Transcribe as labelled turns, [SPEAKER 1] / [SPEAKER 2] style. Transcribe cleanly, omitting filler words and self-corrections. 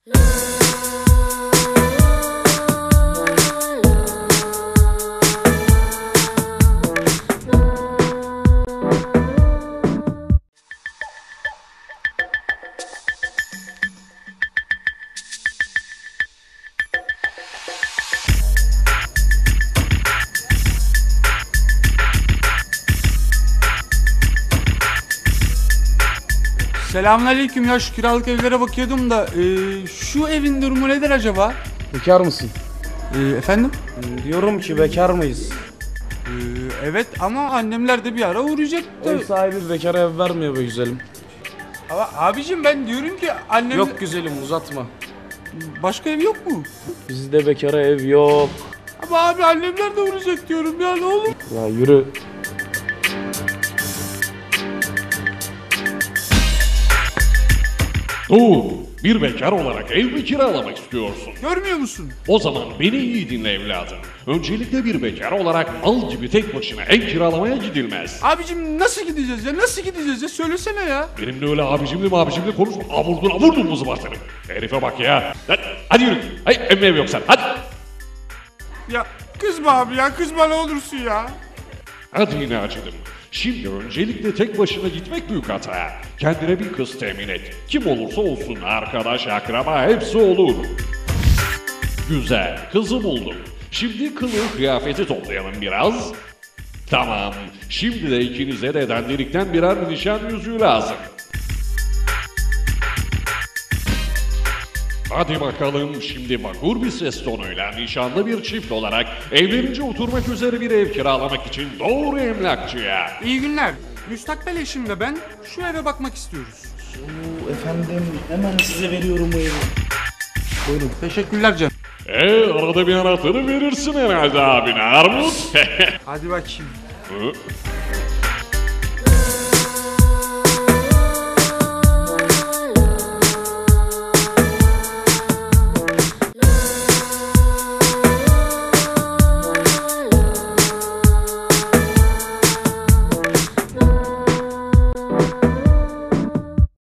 [SPEAKER 1] Selamünaleyküm ya, şu kiralık evlere bakıyordum da şu evin durumu nedir acaba?
[SPEAKER 2] Bekar mısın?
[SPEAKER 1] Efendim?
[SPEAKER 2] Diyorum ki bekar mıyız?
[SPEAKER 1] Evet ama annemler de bir ara uğrayacaktı.
[SPEAKER 2] Ev sahibi bekara ev vermiyor be güzelim.
[SPEAKER 1] Ama abicim ben diyorum ki annem...
[SPEAKER 2] Yok güzelim uzatma.
[SPEAKER 1] Başka ev yok mu?
[SPEAKER 2] Bizde bekara ev yok.
[SPEAKER 1] Ama abi annemler de uğrayacak diyorum ya, ne olur.
[SPEAKER 2] Ya yürü.
[SPEAKER 3] Bir bekar olarak ev mi kiralamak istiyorsun?
[SPEAKER 1] Görmüyor musun?
[SPEAKER 3] O zaman beni iyi dinle evladım. Öncelikle bir bekar olarak mal gibi tek başına ev kiralamaya gidilmez.
[SPEAKER 1] Abicim nasıl gideceğiz ya? Nasıl gideceğiz ya? Söylesene ya.
[SPEAKER 3] Benimle öyle abicimli konuşma. Vurdun mu zıbartını? Herife bak ya. Hadi yürü. Hayır ev yok sen. Hadi.
[SPEAKER 1] Ya kızma abi ya, kızma ne olursun ya.
[SPEAKER 3] Hadi yine acıdım. Şimdi öncelikle tek başına gitmek büyük hata. Kendine bir kız temin et. Kim olursa olsun, arkadaş, akraba hepsi olur. Güzel, kızı buldum. Şimdi kılığı kıyafeti toplayalım biraz. Tamam, şimdi de ikinize de dandirikten birer nişan yüzüğü lazım. Hadi bakalım, şimdi vakur bir ses tonuyla nişanlı bir çift olarak evlenince oturmak üzere bir ev kiralamak için doğru emlakçıya.
[SPEAKER 1] İyi günler. Müstakbel eşimle ben şu eve bakmak istiyoruz.
[SPEAKER 2] Efendim hemen size veriyorum bu evi.
[SPEAKER 1] Buyurun. Teşekkürler canım.
[SPEAKER 3] Arada bir anahtarı verirsin herhalde abine Armut.
[SPEAKER 1] Hadi bakayım.